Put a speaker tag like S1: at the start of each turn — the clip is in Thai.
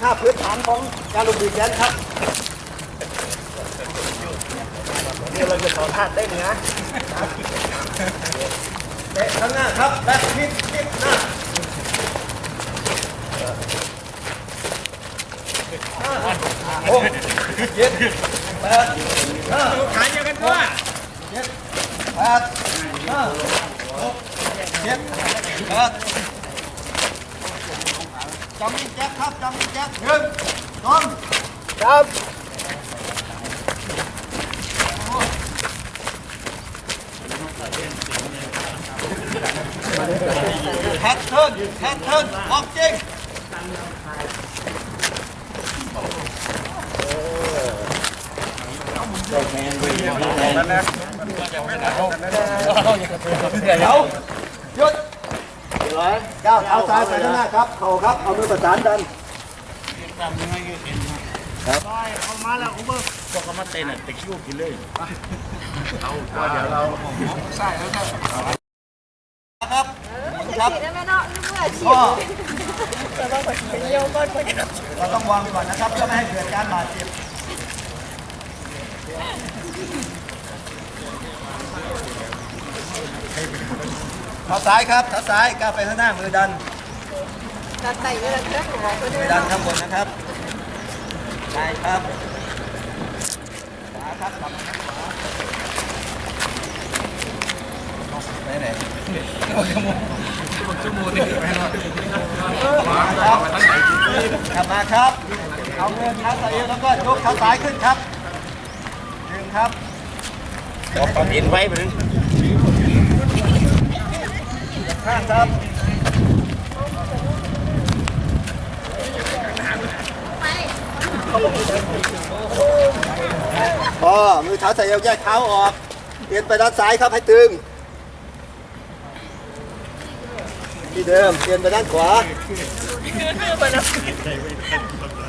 S1: ท่าพื้นฐานของการลงดีแกนครับเดี๋ยวเราจะสอนท่าเต้นนะเตะข้างหน้าครับและพลิกหน้า6 7 8 5
S2: ขาเดียวกันด้วย
S1: 7 8 5 6 7 8จำนิ่งแจ๊คครับจำนิ่งแจ๊ค1 2 3แพทเทิร์นออกจริงเดี๋ยวหยุดก้าวเท้าซ้ายไปด้านหน้าครับเข่าครับเอามือประสานดันครับ
S2: เอามาแล้วอุเบอร์พวกเขามาเต้นตะคิวกินเลยเอาเดี๋ยวเราใส่แล้วครับ
S1: ครับครับ
S3: ได้ไหมเนาะเมื่อชี
S1: ก็
S3: แต่ว่าคนเป็นโยก้อนคน
S1: เราต้องวางก่อนนะครับเพื่อไม่ให้เกิดการบาดเจ็บเท้าซ้ายครับเท้าซ้ายก้าวไปข้างหน้ามือดัน
S3: ตัดไตเวลาเชื่อหัวคน
S1: มือดันข้างบนนะครับใช่ครับขวาครับกลับมาขวาไปไหนชั่วโมงนี่ไปแล้วครับกลับมาครับเอาเงินเท้าซ้ายแล้วก็ยกเท้าซ้ายขึ้นครับดึงครับ
S2: เอาปลาบินไว้เหมือน
S1: ข้างครับพอมือเท้าใส่เอวแยกเท้าออกเปลี่ยนไปด้านซ้ายครับให้ตึงที่เดิมเปลี่ยนไปด้านขวา